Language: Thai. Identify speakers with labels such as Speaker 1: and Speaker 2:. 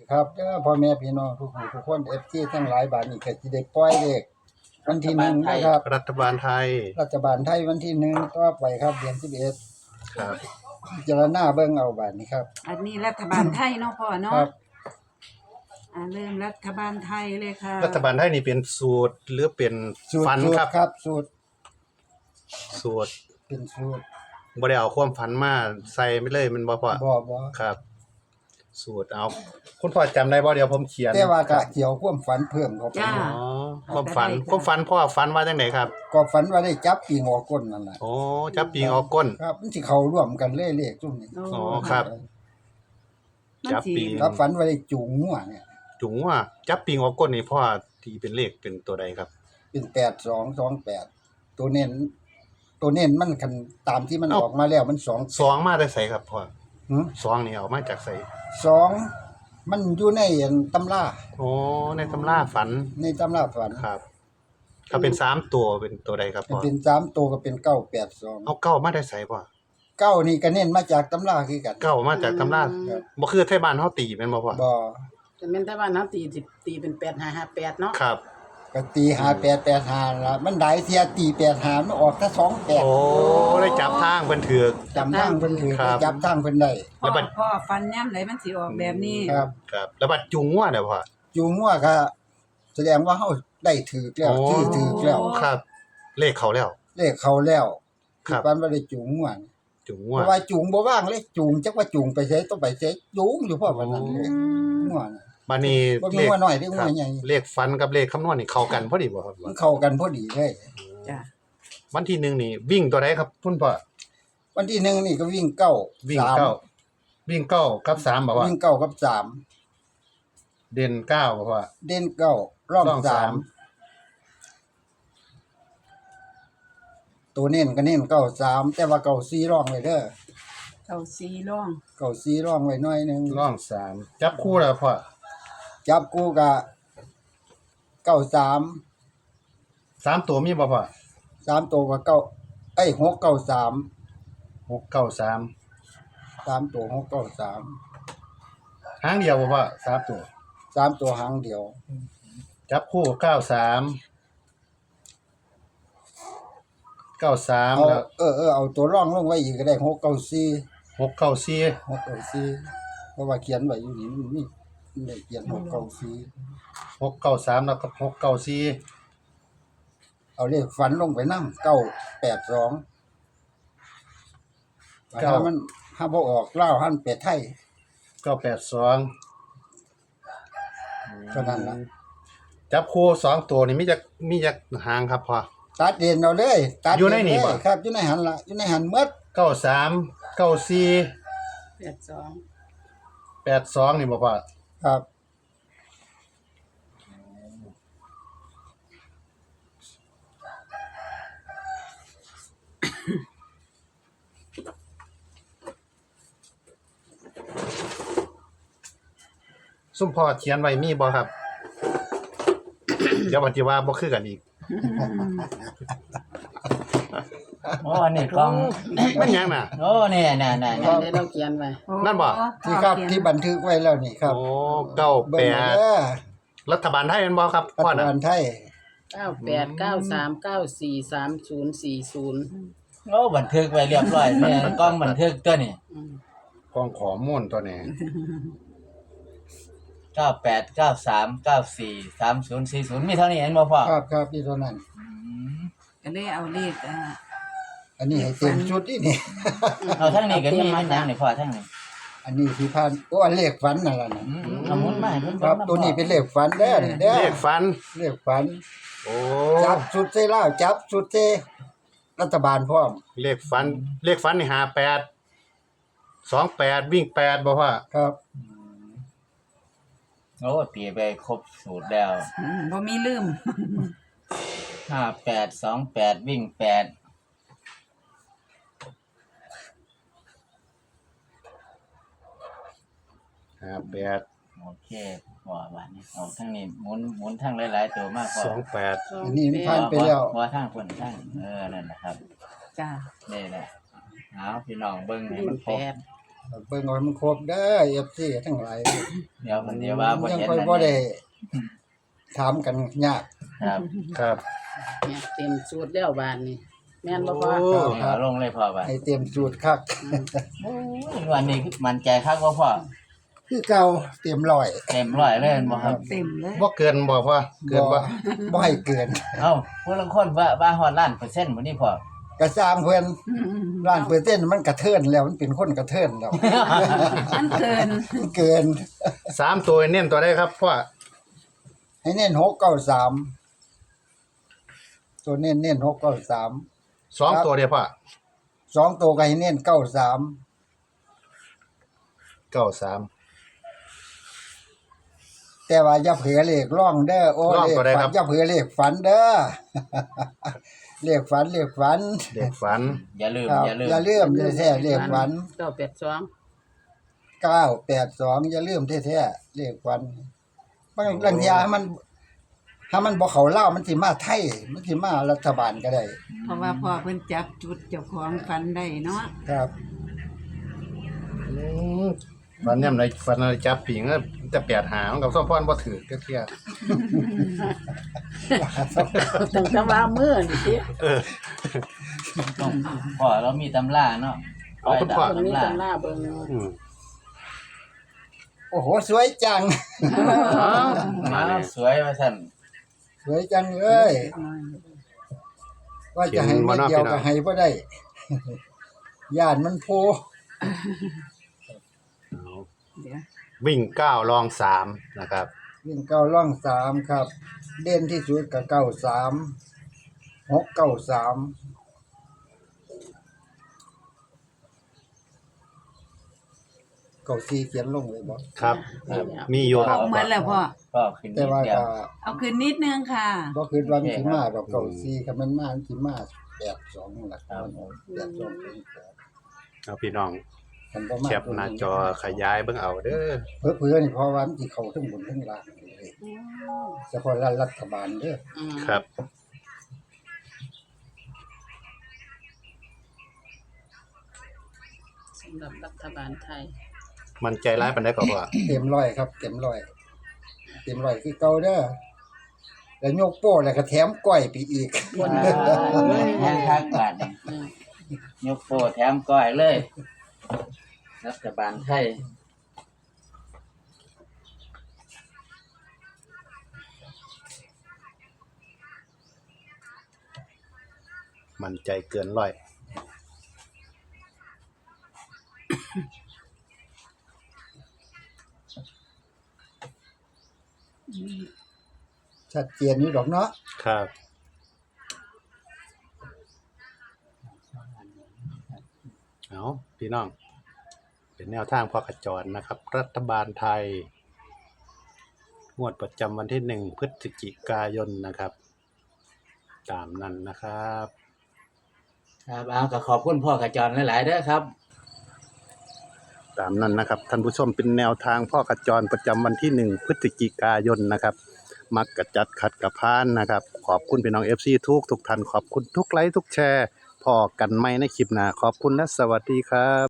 Speaker 1: ครับเด้อพ่อแม่พี่น้องทุกคน FT ทั้งหลายบาดนี้ก็สิได้ปล่อยเลขวันที่1นะครับ
Speaker 2: รัฐบาลไทย
Speaker 1: รัฐบาลไทยวันที่1ต่อไปครับเดือน11
Speaker 2: ครับ
Speaker 1: พิจารณาเบิ่งเอาบาดนี้ครับ
Speaker 3: อันนี้รัฐบาลไทยเนาะพ่อ
Speaker 1: ค
Speaker 3: เนาะ
Speaker 1: รับ
Speaker 3: เริ่มรัฐบาลไทยเลยค่ะ
Speaker 2: รัฐบาลไทยนี่เป็นสูตรหรือเป็น
Speaker 1: สูตร
Speaker 2: ฝัน
Speaker 1: สูต
Speaker 2: ค
Speaker 1: ร
Speaker 2: รับ
Speaker 1: ครับสูตร
Speaker 2: สูตร
Speaker 1: เป็นสูตร
Speaker 2: บ่ได้เอาความฝันมาใส่ไม่เลยมันบ่พอ
Speaker 1: บ่
Speaker 2: ครับ สูตรเอาคุณพ่อจำได้บ่เดี๋ยวผมเขียน
Speaker 1: แต่ว่าก็เกี่ยวความฝันเพิ่มเข้าไป
Speaker 3: จ้า
Speaker 2: อ๋อความฝันพ่อฝันว่าจังไดครับ
Speaker 1: ก็ฝันว่าได้จับปีงอก้นนั่นแหละ
Speaker 2: โอ้จับปีงออกก้น
Speaker 1: ครับมันสิเข้าร่วมกันเลขซุ่มนี้
Speaker 2: อ๋อครับ
Speaker 3: มัน
Speaker 2: จับ
Speaker 3: สิ
Speaker 2: ปี
Speaker 1: ครับฝันว่าได้จูงงัวเนี่ย
Speaker 2: จุงว่าจับปีงออกก้นนี่พ่อที่เป็นเลขเป็นตัวใดครับ
Speaker 1: เป็น8228ตัวเน้นมันคันตามที่มัน
Speaker 2: เอ้า
Speaker 1: ออกมาแล้วมัน2
Speaker 2: ซองมาได้ใส่ครับพ่อ
Speaker 1: หึ
Speaker 2: ซองนี่เอามาจากไส
Speaker 1: 2มันอยู่ในตำรา
Speaker 2: โอ้ในตำราฝัน
Speaker 1: ในตำราฝัน
Speaker 2: ครับ ถ้าเป็น3ตัวเป็นตัวใดครับ
Speaker 1: มัน
Speaker 2: พ่อ
Speaker 1: เป็น3ตัวก็เป็น982
Speaker 2: เอาเก้ามาได้ใส่พ่อ
Speaker 1: 9นี่ก็เน้นมาจากตำราคือกัน
Speaker 2: เก้ามาจากตำรา
Speaker 1: ครับ
Speaker 2: บ่คือไทยบ้านเฮาตีแม่นบ่พ่อ
Speaker 1: บ่
Speaker 4: แต่แม่นแต่ว่าน้ำตีเป็น8558เนาะ
Speaker 2: ครับ
Speaker 1: ก็ตี5885ล่ะมันได้เที่ยตี85มันออกถ้า28
Speaker 2: โอ้ได้จับทางเพิ่นถือก
Speaker 1: จำทางเพิ่นถือ
Speaker 2: ครับ
Speaker 1: จับทางเพิ่นได้
Speaker 3: พ่อพ่อฟันย่ำไหนมันสิออกแบบนี้
Speaker 1: ครับ
Speaker 2: ครับ แล้วบัดจุงว่าเด้อพ่อ
Speaker 1: จูงงัวก็แสดงว่าเฮาได้ถือแล้ว
Speaker 2: โอ้
Speaker 1: ชื่อถือแล้ว
Speaker 2: ครับ เลขเขาแล้ว
Speaker 1: เลขเขาแล้ว
Speaker 2: ครับ
Speaker 1: ปันว่าได้จูงงัว
Speaker 2: จุง
Speaker 1: เพ
Speaker 2: ว่า
Speaker 1: ราะว่าจูงบ่ว่างเลยจูงจักว่าจูงไปไสต้องไปไสจูงอยู่เพราะว่านั้นเลยงัวน่ะ
Speaker 2: บัดนี้
Speaker 1: บ่มี
Speaker 2: เลข
Speaker 1: งัวน้อยเด้อ
Speaker 2: ครั
Speaker 1: งั
Speaker 2: บ
Speaker 1: วใหญ่
Speaker 2: เลขฟันกับเลขคำนวณนี่เข้ากันพอดีบ่ครับ
Speaker 1: มันเข้ากันพอดีเลย
Speaker 3: จ้ะ
Speaker 2: วันที่1นี่วิ่งตัวใดครับคุณพ่อ
Speaker 1: วันที่1นี่ก็วิ่งเก้า
Speaker 2: วิ่ง
Speaker 1: สาม
Speaker 2: เก้าวิ่งเก้ากับ3บ่ว่า
Speaker 1: วิ่งเก้ากับสาม
Speaker 2: เด่นเก้าบ่ว่า
Speaker 1: เด่นเก้าร่อง
Speaker 2: ร่อง
Speaker 1: สา
Speaker 2: สาม ม
Speaker 1: ตัวเน้นก็เน้นเก้าสามแต่ว่าเก้าสี่ร่องไว้เด้อ
Speaker 3: เอาสีร่อง
Speaker 1: เก้าสี่ร่องไว้หน่อยหนึง
Speaker 2: ร่อง3จับคู่แล้วพ่อ
Speaker 1: จับกูก็เก้าสาม
Speaker 2: 3ตัวมีบ่พ่อ
Speaker 1: 3ตัวก็693
Speaker 2: 693
Speaker 1: 3ตัว693
Speaker 2: หางเดียวบ่พ่อ3ตัว
Speaker 1: 3ตัวหางเดียว
Speaker 2: จับคู่93
Speaker 1: เอา
Speaker 2: 93แล้ว
Speaker 1: เอาตัวร่องลงไว้อีกก็ได้694
Speaker 2: 694
Speaker 1: 694เพราะว่าเขียนไว้อยู่นี่มันมีได้เขียน694
Speaker 2: 693แล้วก็694
Speaker 1: เอาเลขฝันลงไปนำ982ถ้ามันถ้าบ่ออกลาวหันเป็ดไทย
Speaker 2: 982
Speaker 1: เท่านั้นล่ะ
Speaker 2: จับคู่2ตัวนี่มีจักหางครับพ่อ
Speaker 1: ตัดเด่นเอาเลยตัด
Speaker 2: อยู่ในนี่บ่
Speaker 1: เลยครับอยู่ในหันล่ะอยู่ในหันหมด
Speaker 2: 93 94
Speaker 4: 82
Speaker 2: 82นี่บ่พ่อ
Speaker 1: ครับ
Speaker 2: ซุ่มพ่อเขียนไว้มีบ่ครับ เดี๋ยวปฏิว่าบ่คือกันอีก
Speaker 5: โอ้อันนี้กล้อง
Speaker 2: มันหยังน่ะ
Speaker 5: โอ้เนี่ยน่ะ
Speaker 4: ได้เราเขียนไว้
Speaker 3: โอ้
Speaker 2: นั่นบ่
Speaker 1: ที่ครับที่บันทึกไว้แล้วนี่ครับ
Speaker 2: โอ้
Speaker 1: เบิ่งเอาเด้อ
Speaker 2: 98รัฐบาลไทยแม่นบ่ครับ
Speaker 1: รั
Speaker 2: พ่อ
Speaker 1: ฐ
Speaker 2: น่ะ
Speaker 1: บาลไทย
Speaker 4: 9893943040
Speaker 5: โอ้บันทึกไว้เรียบร้อยเนี่ยกล้องบันทึกตัวนี้
Speaker 2: กองข้อมูลตัวนี้
Speaker 5: 9893943040มีเท่านี้เห็นบ่พ่อ
Speaker 1: ครับที่เท่านั้น
Speaker 3: ก็เลยเอาเลข
Speaker 1: อันนี้ให้เต็มชุดนี่นี่
Speaker 5: เอาทั้งนี้ก็มีมันยังนี่พ่อทั้งนี้
Speaker 1: อันนี้ที่พันโอ้อันเลขฝันนั่นล่ะนะ
Speaker 5: เอาหมุนมาให้เพิ่น
Speaker 1: ครับตัวนี้เป็นเลขฝันเด้อนี่เด้อ
Speaker 2: เลขฟัน
Speaker 1: เลขฝัน
Speaker 2: โอ้
Speaker 1: จับชุดเซล่าวจับชุดเซรัฐบาลพร้อม
Speaker 2: เลขฟันนี่58 28วิ่ง8บ่พ่อ
Speaker 1: ครับ
Speaker 5: โอ้ตีไปครบสูตรแล้ว
Speaker 3: บ่มีลืม
Speaker 5: 5828วิ่ง8
Speaker 2: 58
Speaker 5: โอเคพ่อว่านี่เอาทั้งนี้หมุนทั้งหลายๆตัวมากพ่อ
Speaker 2: 28
Speaker 1: อันนี้มันผ่านไปแล้ว
Speaker 5: บ่ทางคนทางนั่นนะครับ
Speaker 3: จ้ะ
Speaker 5: นี่แหละเอาพี่น้องเบิ่งให้
Speaker 4: วิ่ง
Speaker 5: มันครบ
Speaker 4: 8
Speaker 1: เบิ่งเอาให้มันครบเด้อ FC ทั้งหลาย
Speaker 5: เดี๋ยวมันเดี๋ยวว่าบ่
Speaker 1: ยัง
Speaker 5: เห็น
Speaker 1: ค่อย
Speaker 5: นั่น
Speaker 1: บ่ได้
Speaker 5: นี่
Speaker 1: ถามกันยาก
Speaker 5: ครับ
Speaker 2: ครับ
Speaker 4: เนี่ยเต็มสูตรแล้วบานนี้แม่นบ่พอ
Speaker 2: โอ้
Speaker 5: เอาลงเลยพ่อว่า
Speaker 1: ให้เตรียมสูตรคัก
Speaker 5: โอ้ยวันนี้มันใจคักบ่พ่อ
Speaker 1: คือเก่าเตรียมร้อย
Speaker 5: เต็มร้อยเลยแม่นบ่ครับ
Speaker 3: เต็มเลย
Speaker 2: บ่เกินบ่พ่อเกินบ่
Speaker 1: บ่ให้เกิน
Speaker 5: เอ้าผู้ลางคนว่าฮอดล้านเปอร์เซ็นต์บ่นี่พ่อก
Speaker 1: ระซามเพิ่นล้านเปอร์เซ็นต์มันกระเทินแล้วมันเป็นคนกระเทินแล้ว
Speaker 3: มันเกิน
Speaker 1: มันเกิน
Speaker 2: 3ตัวเน้นตัวใดครับพ่อ
Speaker 1: ให้เน้น693ตัวเน้น693
Speaker 2: 2ตัวเดียวพ่อ
Speaker 1: 2ตัวก็ให้เน้น93
Speaker 2: 93
Speaker 1: แต่ว่าอย่าเผลอเลขร่องเด้อโอ้
Speaker 2: ร่อง
Speaker 1: เลข
Speaker 2: ตัวใด
Speaker 1: ฝั
Speaker 2: ครั
Speaker 1: น
Speaker 2: บ
Speaker 1: อย่าเผลอเลขฝันเด้อ เลขฝัน
Speaker 2: เด็กฝัน
Speaker 5: อย่าลืม
Speaker 1: ครับ
Speaker 5: อย่าลืม
Speaker 1: อย่าลืมแท้ๆเลขฝัน
Speaker 4: 982
Speaker 1: 982อย่าลืมแท้ๆเลขฝันบางทีให้มันบ่เข้าลาวมันสิมาไทยมันสิมารัฐบาลก็ได้
Speaker 3: เพราะว่าพ่อเพิ่นจับจุดเจ้าของฟันได้เนาะ
Speaker 1: ครับ
Speaker 2: ฝันยามใดฝันอะไรจับผิงก็จะ8หามันกับสมพรบ่ถือจักเที่ย
Speaker 4: ตั้งแต่ว่ามื้อนี่สิ
Speaker 5: ต้องพ่อเรามีตำราเนาะ
Speaker 2: เอาคุณพ่อ
Speaker 4: เบิ่งนี่ตำหน้าเบิ่ง
Speaker 2: อืม
Speaker 1: โอ้โหสวยจัง
Speaker 5: มาสวยว่าซั่น
Speaker 1: สวยจังเลยว่าจะให้เม็ดเดียวก็ให้บ่ได้ ย่านมันโพ
Speaker 3: เดี๋ยว
Speaker 2: วิ่ง9รอง3นะครับ
Speaker 1: วิ่งเก้าร่อง3ครับ เด่นที่สุดก็93 693เก้าสี่เขียนลงเลยบ่
Speaker 2: ครับ มีอยู่ครับ
Speaker 3: เอาเหมือนแล้วพ่อ
Speaker 5: ก็ขึ้น
Speaker 1: แต่
Speaker 5: นิด
Speaker 1: ว่า
Speaker 5: เดียว
Speaker 1: ก็
Speaker 3: เอาคืนนิดนึงค่ะ
Speaker 1: บ่คิดว่ามันสิมาดอกเก้าสี่คันมันมามันสิมา82นั่นล่ะครับ82เป็นแปด
Speaker 2: เอาพี่น้อง
Speaker 1: คันบ่มา
Speaker 2: แคปหน้าจอขยายเบิ่งเอาเด้อ
Speaker 1: เผื่อๆนี่เพราะว่ามันสิเข้าทั้งบนทั้งล่างเลยเฉพาะรัฐบาลเด้อ
Speaker 2: ครับ
Speaker 4: สำหรับรัฐบาลไทย
Speaker 2: มันใจร้ายปานใดก็พ่อ
Speaker 1: เต็มร้อยครับเต็มร้อยคือเก่าเด้อแล้วยกโป้แล้วก็แถมก้อยไปอีก
Speaker 5: แห้งคักบาดนี่ยกโปแถมก้อยเลย รัฐบาลไทย
Speaker 2: มันใจเกินร้อย
Speaker 1: ชัดเจนอยู่ดอกเนาะ
Speaker 2: ครับ เอาพี่น้อง เป็นแนวทางพ่อขจรนะครับ รัฐบาลไทย งวดประจำวันที่1พฤศจิกายนนะครับ ตามนั้นนะครับ
Speaker 5: ครับเอาก็ขอบคุณพ่อกระจรหลายๆเด้อครับ
Speaker 2: ตามนั้นนะครับท่านผู้ชมเป็นแนวทางพ่อขจรประจำวันที่1พฤศจิกายนนะครับ มักกระจัดขัดกระพานนะครับ ขอบคุณพี่น้อง FC ทุกท่านขอบคุณทุกไลค์ทุกแชร์พอกันไหมในคลิปหน้าขอบคุณและสวัสดีครับ